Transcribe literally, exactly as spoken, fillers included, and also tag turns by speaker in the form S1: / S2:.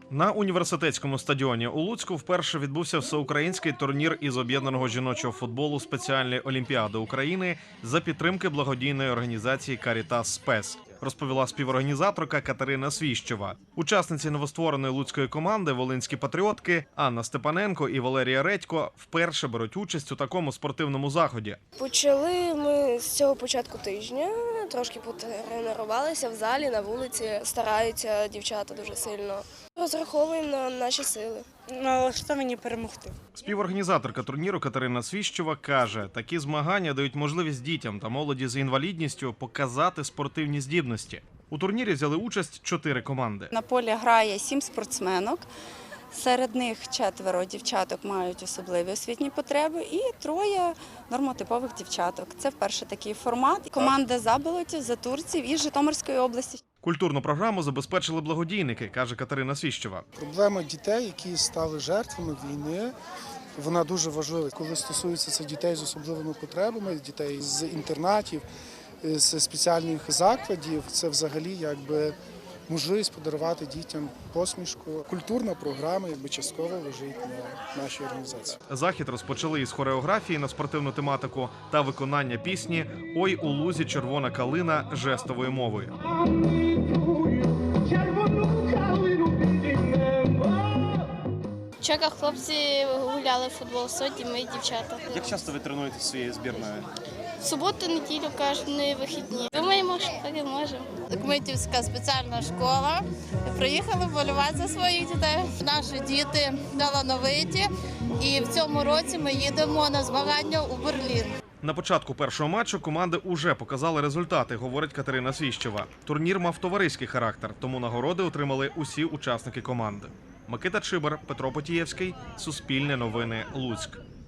S1: На університетському стадіоні у Луцьку вперше відбувся всеукраїнський турнір із об'єднаного жіночого футболу спеціальної олімпіади України за підтримки благодійної організації «Карітас Спес», розповіла співорганізаторка Катерина Свіщова. Учасниці новоствореної луцької команди «Волинські патріотки» Анна Степаненко і Валерія Редько вперше беруть участь у такому спортивному заході.
S2: Почали ми з цього початку тижня, трошки потренувалися в залі, на вулиці, стараються дівчата дуже сильно. Розраховуємо на наші сили.
S3: Налаштовані перемогти.
S1: Співорганізаторка турніру Катерина Свіщова каже, такі змагання дають можливість дітям та молоді з інвалідністю показати спортивні здібності. У турнірі взяли участь чотири команди.
S4: На полі грає сім спортсменок. Серед них четверо дівчаток мають особливі освітні потреби і троє нормотипових дівчаток. Це вперше такий формат. Команда Заболотів, Затурців із Житомирської області.
S1: Культурну програму забезпечили благодійники, каже Катерина Свіщова.
S5: Проблема дітей, які стали жертвами війни, вона дуже важлива. Коли стосується це дітей з особливими потребами, дітей з інтернатів, з спеціальних закладів, це взагалі якби можливість подарувати дітям посмішку. Культурна програма якби частково лежить на нашій організації.
S1: Захід розпочали із хореографії на спортивну тематику та виконання пісні «Ой у лузі червона калина» жестовою мовою.
S6: В Чеках хлопці гуляли в футбол, сьогодні ми дівчата.
S1: Як часто ви тренуєтеся своєю збірною?
S6: В суботу, неділю, кожні вихідні. Думаємо, що так і можемо.
S7: Кмитівська спеціальна школа. Приїхали вболівати за своїх дітей. Наші діти талановиті, і в цьому році ми їдемо на змагання у Берлін.
S1: На початку першого матчу команди уже показали результати, говорить Катерина Свіщова. Турнір мав товариський характер, тому нагороди отримали усі учасники команди. Микита Чибар, Петро Потієвський, Суспільне новини, Луцьк.